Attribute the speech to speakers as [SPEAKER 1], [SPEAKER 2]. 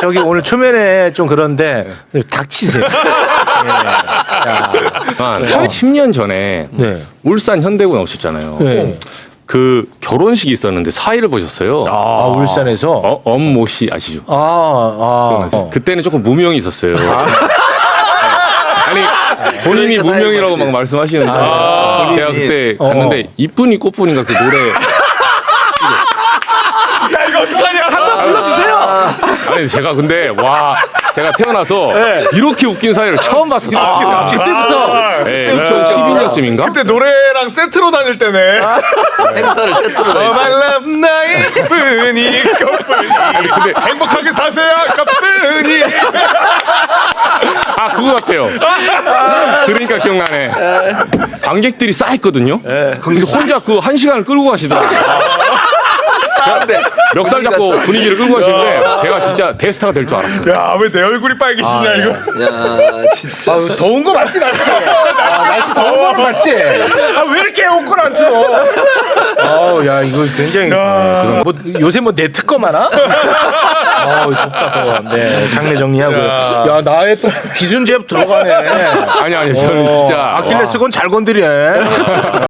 [SPEAKER 1] 저기 오늘 초면에 좀 그런데 닥치세요. 네. 자,
[SPEAKER 2] 한 10년 전에
[SPEAKER 1] 네.
[SPEAKER 2] 울산 현대구에 오셨잖아요.
[SPEAKER 1] 네.
[SPEAKER 2] 그 결혼식이 있었는데 사회를 보셨어요.
[SPEAKER 1] 아, 울산에서.
[SPEAKER 2] 엄모 씨 아시죠? 그때는 조금 무명이 있었어요. 아니 본인이
[SPEAKER 3] 그러니까
[SPEAKER 2] 무명이라고
[SPEAKER 3] 사회를
[SPEAKER 2] 막 말씀하시는데 제가 그때
[SPEAKER 1] 어.
[SPEAKER 2] 갔는데 이쁜이 꽃분인가 그 노래
[SPEAKER 4] 야 이거 어떡하냐? 한번 불러주세요.
[SPEAKER 2] 아니 제가 근데 와 제가 태어나서 이렇게 웃긴 사회를 처음 봤었어요.
[SPEAKER 1] 그때부터.
[SPEAKER 2] 네, 2012년쯤인가?
[SPEAKER 4] 그때 노래랑 세트로 다닐 때네.
[SPEAKER 3] 행사를 세트로 다
[SPEAKER 4] 말람 나의 뿐이 꽃뿐이. 근데 행복하게 사세요 꽃뿐이.
[SPEAKER 2] 아 그거 같아요. 그러니까 기억나네. 관객들이 쌓였거든요. 근데 혼자 그 1시간을 끌고 가시더라고요.
[SPEAKER 3] 싸운데
[SPEAKER 2] 멱살 잡고 분위기를 끌고 가시는데 제가 진짜 대스타가 될 줄 알았어요.
[SPEAKER 4] 야 왜 내 얼굴이 빨개지냐 이거.
[SPEAKER 3] 야 진짜
[SPEAKER 1] 더운 거 맞지, 날씨? 날씨 더운 거 맞지?
[SPEAKER 4] 왜 이렇게 옷걸 안 틀어?
[SPEAKER 1] 야, 이거 굉장히. 뭐, 요새 뭐 내 특검 하나? 덥다, 더워. 네, 장례 정리하고. 야, 나의 또 기준제압 들어가네.
[SPEAKER 2] 아니 저는 진짜
[SPEAKER 1] 아킬레스건 잘 건드리네.